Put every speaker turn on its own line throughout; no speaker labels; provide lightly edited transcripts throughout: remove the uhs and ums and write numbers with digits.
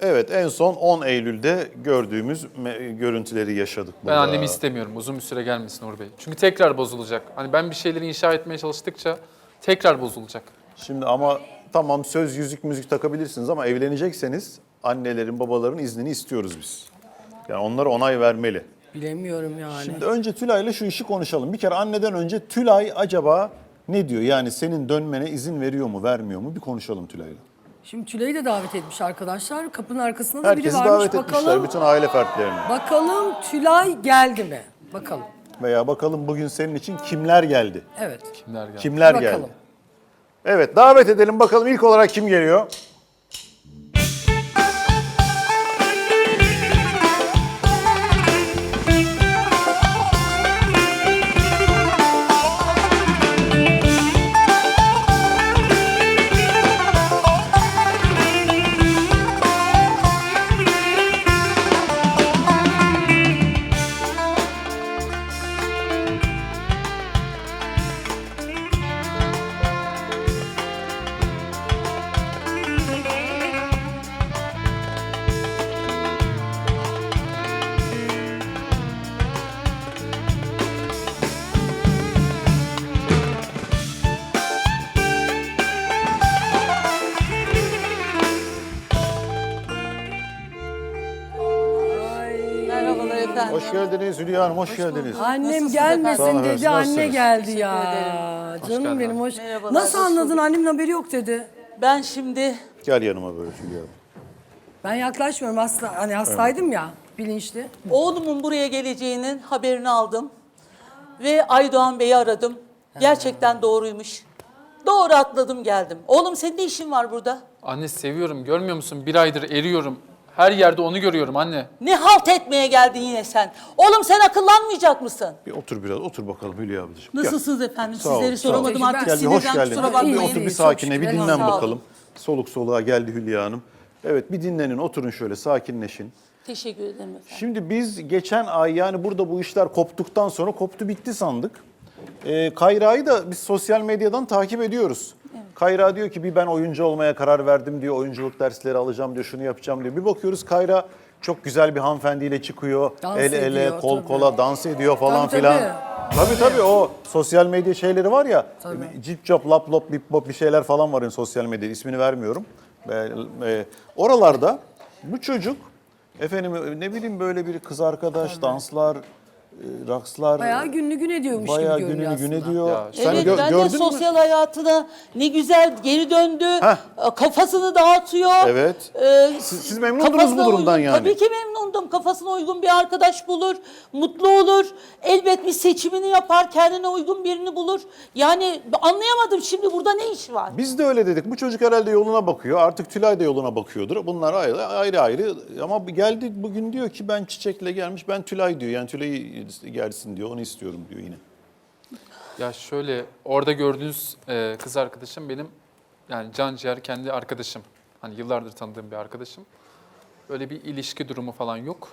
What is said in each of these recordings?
Evet, en son 10 Eylül'de gördüğümüz görüntüleri yaşadık burada.
Ben annemi istemiyorum. Uzun bir süre gelmesin Uğur Bey. Çünkü tekrar bozulacak. Hani ben bir şeyleri inşa etmeye çalıştıkça tekrar bozulacak.
Şimdi ama tamam söz, yüzük, müzik takabilirsiniz ama evlenecekseniz annelerin, babaların iznini istiyoruz biz. Yani onlara onay vermeli.
Bilemiyorum yani.
Şimdi önce Tülay'la şu işi konuşalım. Bir kere anneden önce Tülay acaba ne diyor? Yani senin dönmene izin veriyor mu, vermiyor mu? Bir konuşalım Tülay'la.
Şimdi Tülay'ı da davet etmiş arkadaşlar. Kapının arkasında da
Herkesi
biri varmış.
davet etmişler, bütün aile fertlerini.
Bakalım Tülay geldi mi? Bakalım.
Veya bakalım bugün senin için kimler geldi?
Evet.
Kimler geldi?
Kimler
Bakalım.
geldi? Evet, davet edelim bakalım ilk olarak kim geliyor?
Merhabalar efendim.
Hoş geldiniz Hülya Hanım, hoş geldiniz.
Annem
Nasılsınız
gelmesin
efendim?
dedi,
Sağ olun,
anne
nasılsınız?
geldi
Teşekkür
ya.
ederim.
Canım
geldin
benim hoş.
Merhabalar,
Nasıl
hoş
anladın?
bulduk.
Annemin haberi yok dedi.
Ben şimdi
Gel yanıma böyle Hülya Hanım.
Ben yaklaşmıyorum hasta, hani hastaydım ya bilinçli.
oğlumun buraya geleceğinin haberini aldım. Ve Aydoğan Bey'i aradım. Gerçekten doğruymuş. Doğru atladım geldim. Oğlum senin ne işin var burada?
Anne seviyorum. Görmüyor musun? Bir aydır eriyorum. Her yerde onu görüyorum anne.
Ne halt etmeye geldin yine sen? Oğlum sen akıllanmayacak mısın?
Bir otur biraz, otur bakalım Hülya ablacığım. Gel.
Nasılsınız efendim?
Sağ ol,
Sizleri
sağ ol.
soramadım
Gel,
artık.
Gel bir hoş
Sinirden
geldin.
kusura
Bir
bakmayın.
otur bir
İyi, çok
sakine, bir
şükür.
dinlen
Sağ ol.
bakalım. Soluk soluğa geldi Hülya Hanım. Evet bir dinlenin, oturun şöyle, sakinleşin.
Teşekkür ederim efendim.
Şimdi biz geçen ay yani burada bu işler koptuktan sonra koptu bitti sandık. Kayra'yı da biz sosyal medyadan takip ediyoruz. Kayra diyor ki bir ben oyuncu olmaya karar verdim diyor. Oyunculuk dersleri alacağım diyor, şunu yapacağım diyor. Bir bakıyoruz Kayra çok güzel bir hanımefendiyle çıkıyor.
Dans
El ele,
ediyor,
kol
tabii.
kola dans ediyor falan
Tabii,
filan.
tabii.
Tabii o sosyal medya şeyleri var ya. Cip cop, lap lop, bip bop bir şeyler falan var yani sosyal medyada. İsmini vermiyorum. Oralarda bu çocuk efendim ne bileyim böyle bir kız arkadaş, danslar, rakslar.
Bayağı gününü gün ediyormuş
Bayağı
gibi görünüyor
gününü gün
aslında.
ediyor.
Ya,
Sen
Evet ben de
gördün mü?
sosyal hayatına ne güzel geri döndü.
Heh.
Kafasını dağıtıyor.
Evet.
Ee,
Siz memnundunuz
kafasına
bu durumdan
uygun,
yani.
Tabii ki memnundum. Kafasına uygun bir arkadaş bulur, mutlu olur. Elbet bir seçimini yapar, kendine uygun birini bulur. Yani anlayamadım şimdi burada ne iş var?
Biz de öyle dedik. Bu çocuk herhalde yoluna bakıyor. Artık Tülay da yoluna bakıyordur. Bunlar ayrı ayrı. Ama geldi bugün diyor ki ben Çiçek'le gelmiş. Ben Tülay diyor. Yani Tülay'ı gelsin diyor. Onu istiyorum diyor yine.
Ya şöyle orada gördüğünüz kız arkadaşım benim yani can ciğer kendi arkadaşım. Hani yıllardır tanıdığım bir arkadaşım. Öyle bir ilişki durumu falan yok.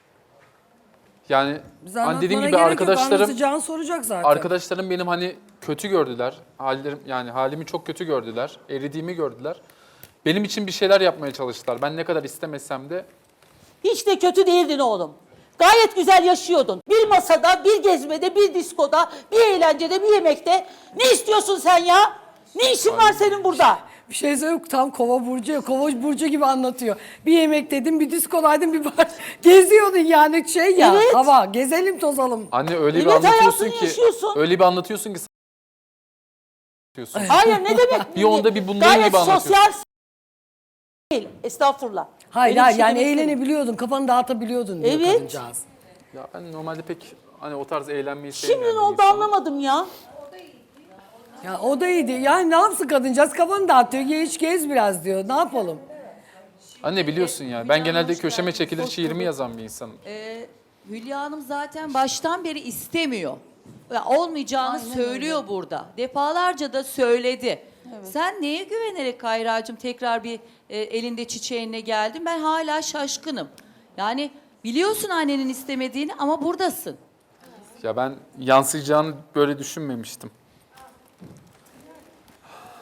Yani
Bize
hani dediğim
anlatmana
gibi
gerek yok,
arkadaşlarım
anlatacağını soracak zaten.
arkadaşlarım benim hani kötü gördüler. Halimi çok kötü gördüler. Eridiğimi gördüler. Benim için bir şeyler yapmaya çalıştılar. Ben ne kadar istemesem de
Hiç de kötü değildin oğlum. Gayet güzel yaşıyordun. Bir masada, bir gezmede, bir diskoda, bir eğlencede, bir yemekte. Ne istiyorsun sen ya? Ne işin var senin burada?
Bir şey söyleyeyim tam kova burcu, kova burcu gibi anlatıyor. Bir yemek dedim, bir diskodaydım, bir bar. Geziyordun yani şey ya,
Evet.
hava. Gezelim tozalım.
anne öyle bir
Evet,
anlatıyorsun
hayatını
ki
yaşıyorsun.
öyle bir anlatıyorsun ki diyorsun.
Hayır ne demek?
Bir onda bir bundayım
Gayet
gibi anlatıyorsun.
sosyal değil. Estağfurullah.
Hayır
Öyle bir
hayır
şey
yani
demek istemiyorum.
eğlenebiliyordun, kafanı dağıtabiliyordun diyor
Evet.
kadıncağız.
Ya ben normalde pek hani o tarz eğlenmeyi
Şimdi
sevmeyen
ne
bir
oldu
insanım.
anlamadım ya.
Ya o da iyiydi. Yani ne yapsın kadıncağız, kafanı dağıtıyor. Hiç gez biraz diyor. Ne yapalım?
Anne biliyorsun ya ben genelde köşeme çekilir şiirimi yazan bir insanım.
Hülya Hanım zaten baştan beri istemiyor. Ya olmayacağını söylüyor burada. Defalarca da söyledi. Sen neye güvenerek Kayra'cığım tekrar bir elinde çiçeğinle geldin? Ben hala şaşkınım. Yani biliyorsun annenin istemediğini ama buradasın.
Ya ben yansıyacağını böyle düşünmemiştim.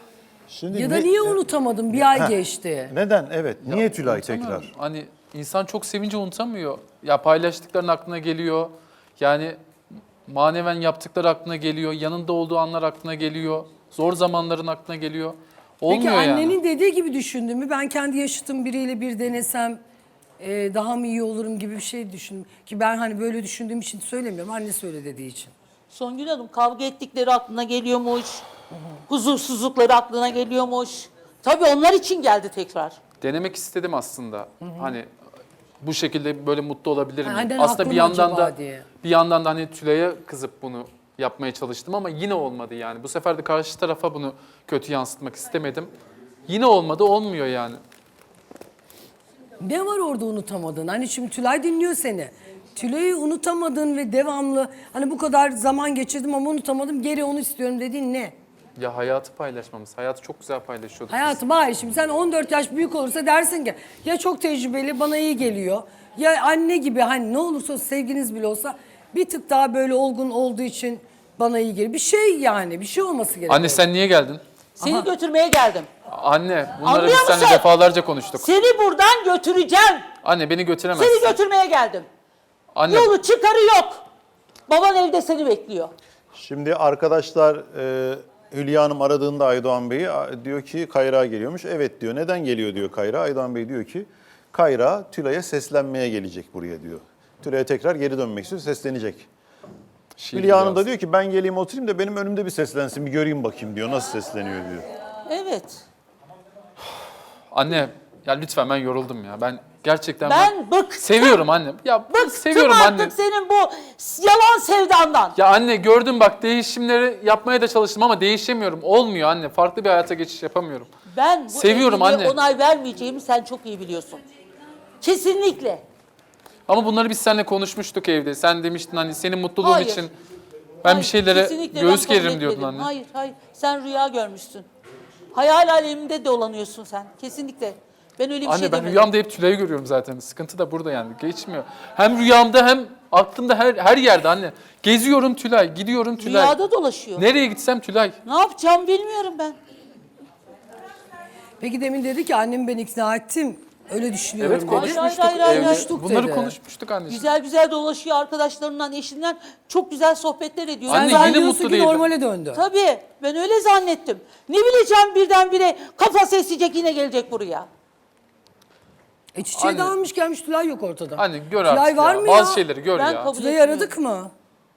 Şimdi
Ya da niye unutamadın? Bir ay geçti.
Neden? Evet. Niye Tülay
Unutamıyorum.
tekrar?
Hani insan çok sevince unutamıyor. Ya paylaştıkların aklına geliyor. Yani maneven yaptıkları aklına geliyor. Yanında olduğu anlar aklına geliyor. Zor zamanların aklına geliyor. Olmuyor
Peki
yani.
annenin dediği gibi düşündün mü? Ben kendi yaşıtım biriyle bir denesem daha mı iyi olurum gibi bir şey düşündüm. Ki ben hani böyle düşündüğüm için söylemiyorum. Anne söyle dediği için.
Songül Hanım kavga ettikleri aklına geliyormuş. Huzursuzlukları aklına geliyormuş. Tabii onlar için geldi tekrar.
Denemek istedim aslında. Hani bu şekilde böyle mutlu olabilir miyim?
Annen
Aslında
haklı
bir
mı
yandan
acaba
da
diye.
bir yandan da hani Tülay'a kızıp bunu yapmaya çalıştım ama yine olmadı yani. Bu sefer de karşı tarafa bunu kötü yansıtmak istemedim. Yine olmadı, olmuyor yani.
Ne var orada unutamadın? Hani şimdi Tülay dinliyor seni. Tülay'ı unutamadın ve devamlı hani bu kadar zaman geçirdim ama unutamadım. Geri onu istiyorum dediğin ne?
Ya hayatı paylaşmamız. Hayatı çok güzel paylaşıyorduk.
Hayatım hayır şimdi sen 14 yaş büyük olursa dersin ki ya çok tecrübeli bana iyi geliyor. Ya anne gibi hani ne olursa olsun sevginiz bile olsa bir tık daha böyle olgun olduğu için bana iyi geliyor. Bir şey yani bir şey olması gerekiyor.
Anne sen niye geldin?
Seni götürmeye geldim.
Anne bunları
Anlıyor
biz seninle
musun?
defalarca konuştuk.
Seni buradan götüreceğim.
Anne beni götüremezsin.
Seni götürmeye geldim.
Anne
Yolu çıkarı yok. Baban evde seni bekliyor.
Şimdi arkadaşlar Hülya Hanım aradığında Aydoğan Bey'i diyor ki Kayra geliyormuş. Evet diyor. Neden geliyor diyor Kayra. Aydoğan Bey diyor ki Kayra Tülay'a seslenmeye gelecek buraya diyor. Tülay'a tekrar geri dönmek istiyor, seslenecek.
şiir
Hülya Hanım
biraz.
da diyor ki ben geleyim oturayım da benim önümde bir seslensin, bir göreyim bakayım diyor. Nasıl sesleniyor diyor.
Evet.
Anne ya lütfen ben yoruldum ya. Ben gerçekten
Ben bıktım.
seviyorum anne. Ya
Bıktım
seviyorum
artık
anne.
senin bu yalan sevdandan.
Ya anne gördüm bak değişimleri yapmaya da çalıştım ama değişemiyorum. Olmuyor anne. Farklı bir hayata geçiş yapamıyorum.
Ben bu
Seviyorum
evliliğe
anne.
onay vermeyeceğimi sen çok iyi biliyorsun. Kesinlikle.
Ama bunları biz seninle konuşmuştuk evde. Sen demiştin hani senin mutluluğun
Hayır.
için ben
Hayır,
bir şeylere
kesinlikle ben
göğüs
kabul
geririm diyordun
etmedim.
anne.
Hayır. Sen rüya görmüşsün. Hayal aleminde dolanıyorsun sen. Kesinlikle. Ben öyle bir
Anne
şey
ben
demedim.
rüyamda hep Tülay'ı görüyorum zaten. Sıkıntı da burada yani. Geçmiyor. Hem rüyamda hem aklımda her yerde anne. Geziyorum Tülay, gidiyorum Tülay.
Rüyada dolaşıyor.
Nereye gitsem Tülay.
Ne yapacağım bilmiyorum ben.
Peki demin dedi ki annemi ben ikna ettim. Öyle düşünüyorum
Evet
dedi.
konuşmuştuk.
Hayır.
Konuştuk
Bunları
dedi.
konuşmuştuk anne.
Güzel güzel dolaşıyor arkadaşlarından, eşinden. Çok güzel sohbetler ediyor.
Anne,
Sen
yine
zannediyorsun
mutlu
ki
değildi.
normale döndü.
Tabii ben öyle zannettim. Ne bileceğim birdenbire kafası esecek yine gelecek buraya.
Çiçeği
Anne.
dağılmış gelmiş Tülay yok ortada.
Anne gör
Tülay
artık
var
ya.
mı
Bazı
ya?
şeyleri gör
Ben
ya.
kabul
Tülay'ı
etmiyorum.
aradık mı?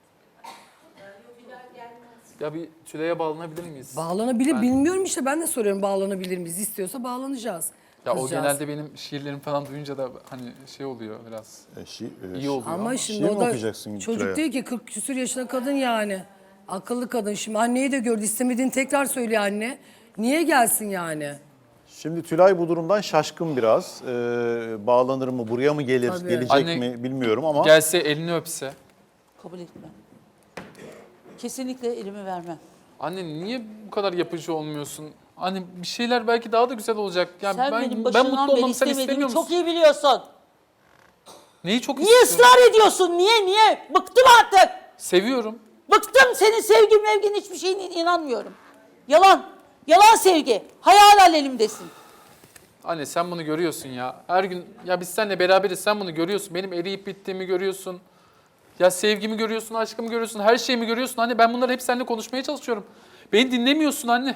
Ya bir Tülay'a bağlanabilir miyiz?
Bağlanabilir bilmiyorum işte ben de soruyorum bağlanabilir miyiz? İstiyorsa bağlanacağız.
Ya o
Kızcağız.
genelde benim şiirlerimi falan duyunca da hani şey oluyor biraz. İyi oluyor.
Ama şimdi
Şiir
o
mi
da
okuyacaksın
çocuk
Tülay'a?
değil ki 40 küsur yaşında kadın yani. Akıllı kadın. Şimdi anneyi de gördü. İstemediğini tekrar söylüyor anne. Niye gelsin yani?
Şimdi Tülay bu durumdan şaşkın biraz. Bağlanır mı, buraya mı gelir,
Tabii.
gelecek
Anne,
mi bilmiyorum ama
Gelse elini öpse.
Kabul etmem. Kesinlikle elimi vermem.
Anne niye bu kadar yapıcı olmuyorsun? Hani bir şeyler belki daha da güzel olacak. Yani
Sen benim
ben
başından
mutlu
beri
olmamı sen istemiyor
istemediğimi
musun?
çok iyi biliyorsun.
Neyi çok
Niye
istiyorsun?
ısrar ediyorsun? Niye? Bıktım artık.
Seviyorum.
Bıktım senin sevgin mevgin hiçbir şeyine inanmıyorum. Yalan. Yalan sevgi. Hayal alemimdesin.
Anne sen bunu görüyorsun ya. Her gün ya biz seninle beraberiz sen bunu görüyorsun. Benim eriyip bittiğimi görüyorsun. Ya sevgimi görüyorsun, aşkımı görüyorsun, her şeyimi görüyorsun. Anne ben bunları hep seninle konuşmaya çalışıyorum. Beni dinlemiyorsun anne.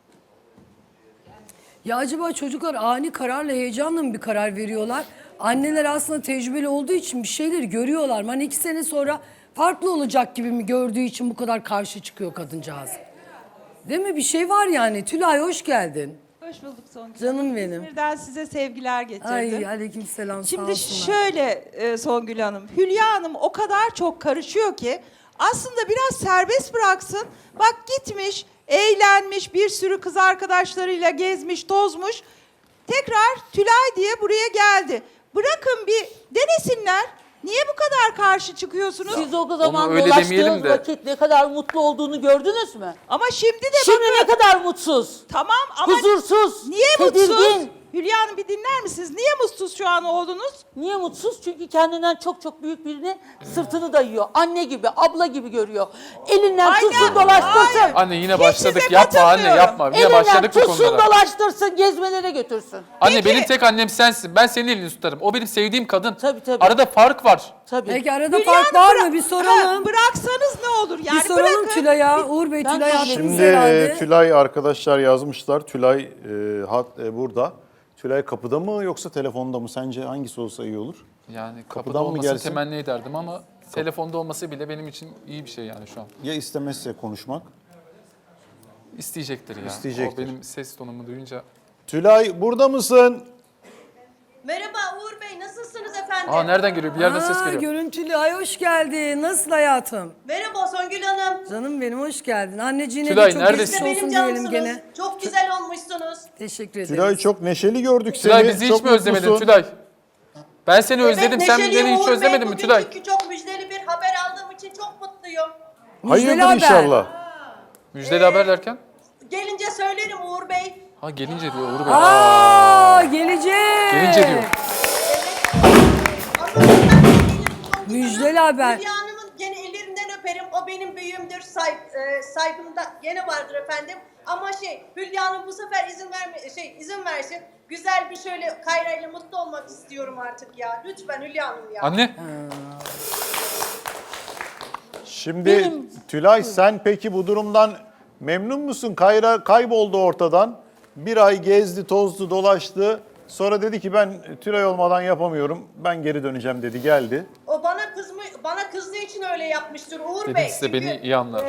Ya acaba çocuklar ani kararla heyecanla mı bir karar veriyorlar? Anneler aslında tecrübeli olduğu için bir şeyleri görüyorlar mı? Hani 2 sene sonra farklı olacak gibi mi gördüğü için bu kadar karşı çıkıyor kadıncağız? Değil mi? Bir şey var yani. Tülay hoş geldin.
Hoş bulduk Songül.
Canım benim.
İzmir'den size sevgiler getirdim.
Ay aleykümselam. sağ
Şimdi
olsunlar.
şöyle Songül Hanım, Hülya Hanım o kadar çok karışıyor ki aslında biraz serbest bıraksın. Bak gitmiş, eğlenmiş, bir sürü kız arkadaşlarıyla gezmiş, tozmuş. Tekrar Tülay diye buraya geldi. Bırakın bir denesinler. Niye bu kadar karşı çıkıyorsunuz?
Siz o zaman
öyle demeyelim
dolaştığınız
de.
vakit ne kadar mutlu olduğunu gördünüz mü?
Ama şimdi de
Şimdi
bakın.
ne kadar mutsuz,
Tamam ama
huzursuz,
niye
tedirgin.
mutsuz? Hülya Hanım bir dinler misiniz? Niye mutsuz şu an oğlunuz?
Niye mutsuz? Çünkü kendinden çok çok büyük birini sırtını dayıyor. Anne gibi, abla gibi görüyor. Elinden
Aynen,
tutsun dolaştırsın.
hayır.
Anne yine
Hiç
başladık.
size
Yapma anne
katılmıyorum.
yapma. Yine
Elinden
başladık bu
tutsun
konulara.
dolaştırsın, gezmelere götürsün.
Anne
Peki.
benim tek annem sensin. Ben senin elini tutarım. O benim sevdiğim kadın.
Tabii, tabii.
Arada fark var.
Tabii.
Peki arada
Hülya
fark
Hanım,
var mı? Bir soralım.
Bıraksanız ne olur? Yani
Bir soralım
bırakın.
Tülay'a. Uğur Bey,
Ben
Tülay
de-
haklıyız
Şimdi
herhalde.
Tülay arkadaşlar yazmışlar. Tülay burada. Tülay kapıda mı yoksa telefonda mı? Sence hangisi olsa iyi olur?
Yani kapıda
Kapıdan mı
olmasını
gelsin?
temenni ederdim ama telefonda olması bile benim için iyi bir şey yani şu an.
Ya istemezse konuşmak?
İsteyecektir ya.
İsteyecektir.
O benim ses tonumu duyunca.
Tülay burada mısın?
Merhaba Uğur Bey, nasılsınız efendim?
Aa nereden geliyor? Bir yerden ses geliyor.
Görüntülü. Ay hoş geldin. Nasıl hayatım?
Merhaba Songül Hanım.
Canım benim hoş geldin. Anneciğine
Tülay,
de çok
neredesin?
geçmiş
Siz de
olsun
benim
diyelim
cansınız.
gene.
Çok güzel olmuşsunuz.
Teşekkür ederim.
Tülay çok neşeli gördük seni.
Tülay bizi hiç
Çok
mi özlemedin
mutlusun.
Tülay? Ben seni özledim. Sen
neşeliyim
beni hiç
Uğur Bey.
özlemedin mi
Bugün
Tülay?
çünkü çok müjdeli bir haber aldığım için çok mutluyum.
Müjdeli
Hayırdır
haber.
inşallah.
Müjdeli haber derken?
Gelince söylerim Uğur Bey.
Ha gelince diyor Uğur Bey.
Aa gelecek.
Gelince diyor.
Ama ben de gelirim Songül
Müjdeli
Hanım.
haber.
Hülya Hanım'ın gene ellerinden öperim. O benim büyüğümdür. Saygımda gene vardır efendim. Ama Hülya Hanım bu sefer izin versin. Güzel bir şöyle Kayra ile mutlu olmak istiyorum artık ya. Lütfen Hülya Hanım ya.
Anne.
Şimdi Tülay sen peki bu durumdan memnun musun? Kayra kayboldu ortadan. Bir ay gezdi, tozdu, dolaştı. Sonra dedi ki ben Tülay olmadan yapamıyorum. Ben geri döneceğim dedi, geldi.
O bana kızdığı için öyle yapmıştır Uğur
Dedim
Bey.
size beni iyi anlar.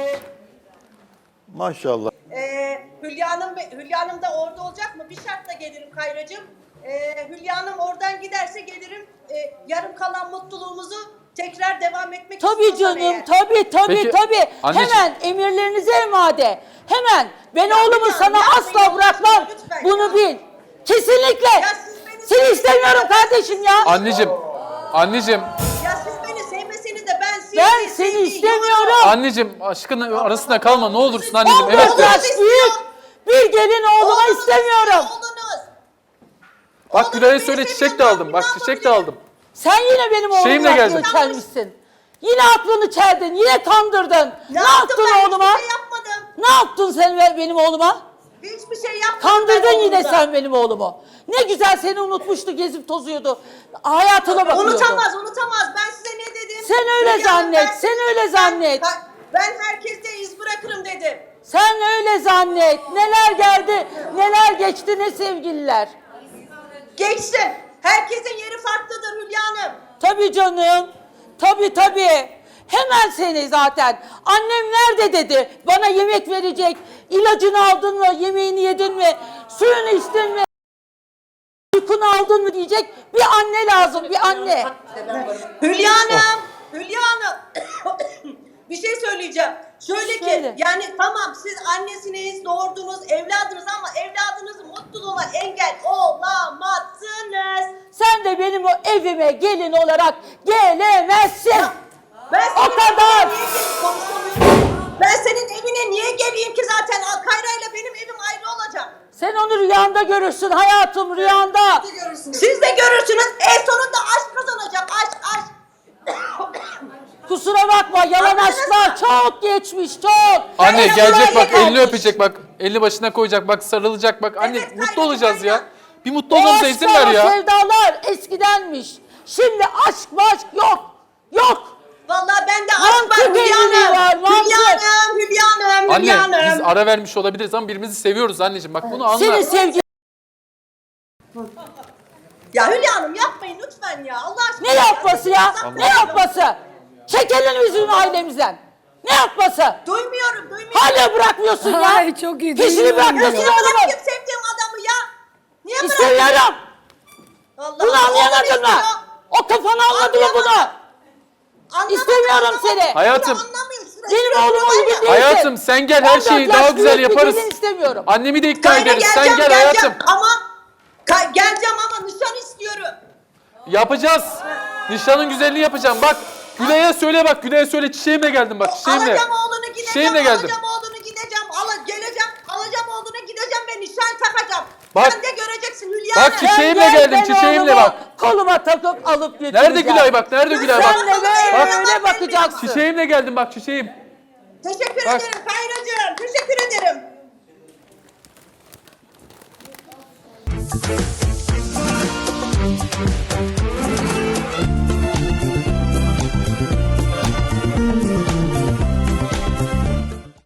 Maşallah.
Hülya Hanım da orada olacak mı? Bir şartla gelirim Kayracığım. Hülya Hanım oradan giderse gelirim. Yarım kalan mutluluğumuzu tekrar devam etmek
Tabii
istiyorsan
canım,
eğer.
tabii.
Peki,
Tabii.
anneciğim-
Hemen emirlerinize emade. Hemen. Ben oğlumu
Hülya
sana
Hanım,
asla
yapmayın,
bırakmam.
lütfen
Bunu
ya.
bil. Kesinlikle.
siz beni
Seni istemiyorum kardeşim ya.
Anneciğim,
Ya siz beni sevmeseniz de ben sizi
Ben seni istemiyorum.
anneciğim aşkın arasında kalma ne olursun anneciğim.
14
Evet de.
yaş büyük. Bir gelin oğluma istemiyorum.
Oğlunuz.
Bak Gülay'a
Oğlunuz
söyle
beni
çiçek de
seviyor,
aldım.
ben
Bak
ne
çiçek de
yapabilirim?
aldım.
Sen yine benim oğlumun
Şeyimle
aklını
geldim.
çelmişsin. Yine aklını çeldin, yine kandırdın. Ne
yaptım
yaptın
ben?
oğluma?
Hiçbir şey yapmadım.
Ne yaptın sen benim oğluma?
Hiçbir şey yapmadım.
Kandırdın
ben
yine
oğlumda.
sen benim oğlumu. Ne güzel seni unutmuştu, gezip tozuyordu. Hayatına bakıyordu.
Unutamaz. Ben size ne dedim?
Sen öyle
Hülya Hanım,
zannet,
ben-
sen öyle zannet.
Ben herkeste iz bırakırım dedim.
Sen öyle zannet. Neler geldi, neler geçti, ne sevgililer.
Geçtim. Herkesin yeri farklıdır Hülya Hanım.
Tabii canım. Tabii. Hemen seni zaten. Annem nerede dedi. Bana yemek verecek. İlacını aldın mı? Yemeğini yedin mi? Suyunu içtin mi? Uykunu aldın mı diyecek. Bir anne lazım, bir anne.
Hülya Hanım. Hülya Hanım. Bir şey söyleyeceğim. Şöyle ki
Söyle.
yani tamam siz annesiniz, doğurdunuz, evladınız ama evladınızın mutluluğuna engel olamazsınız.
Sen de benim o evime gelin olarak gelemezsin.
Ben senin
O kadar.
evine niye gelip konuşamıyorum? Ben senin evine niye geleyim ki zaten Kayra ile benim evim ayrı olacak.
Sen onu rüyanda görürsün hayatım, rüyanda.
Siz de görürsünüz en sonunda aşk kazanacak aşk.
Kusura bakma, yalan aşklar çok geçmiş, çok.
Anne
Kayra
gelecek
buraya
bak elini
gelmiş.
öpecek bak. Elini başına koyacak bak sarılacak bak. Anne
Evet,
mutlu
Kayra,
olacağız
Kayra.
ya. Bir mutlu
O
olmamıza izin
aşklar,
ver
o
ya.
sevdalar eskidenmiş. Şimdi aşk yok. Yok.
Vallahi bende aşk
Mantık
var Hülya
evliliği
Hanım.
var, mantık.
Hülya Hanım.
Anne biz ara vermiş olabiliriz ama birbirimizi seviyoruz anneciğim. Bak bunu anla.
Senin sevgi
Ya Hülya Hanım yapmayın lütfen ya Allah aşkına.
ne yapması ya?
Allah
Ne yapması? Çek elini yüzünü ailemizden. Ne yapması?
Duymuyorum.
Hala bırakmıyorsun ya.
Ay, çok iyi,
Peşini
duyuyorum
bırakmıyorsun
Niye
diyor.
oğlumun.
bırakayım sevdiğim adamı ya? Niye bırakayım?
İstemiyorum.
Allah
Bunu
Allah,
anlayamadın mı?
istiyor.
O kafanı anladı mı bunu?
Anlamadım,
İstemiyorum
anlamadım.
seni.
Hayatım.
Anlamıyorum.
Benim oğlum uygun değilsin.
Hayatım sen gel her
14
şeyi
yaş
daha güzel
büyük bir
yaparız.
gelin istemiyorum.
Annemi de ikna
Kayra
ederiz. Sen gel hayatım.
ama geleceğim ama nişan istiyorum.
Yapacağız. Nişanın güzelliğini yapacağım. Bak Gülay'a söyle bak. Gülay'a söyle çiçeğimle geldim bak. Çiçeğimle.
Alacağım oğlunu gideceğim.
Çiçeğimle geldim.
Alacağım oğlunu gideceğim. Geleceğim. Alacağım oğlunu gideceğim ve nişan takacağım.
Bak.
Sen de göreceksin Hülya
Bak
Hanım.
çiçeğimle
Sen gel,
geldim,
ben
çiçeğimle
oğlumu
bak.
Koluma takıp alıp götüreceğim.
Nerede Gülay bak, nerede Gülay bak.
Sen de böyle bakacaksın.
Çiçeğimle geldim bak, çiçeğim.
Teşekkür
Bak.
ederim Kayracığım. Teşekkür ederim.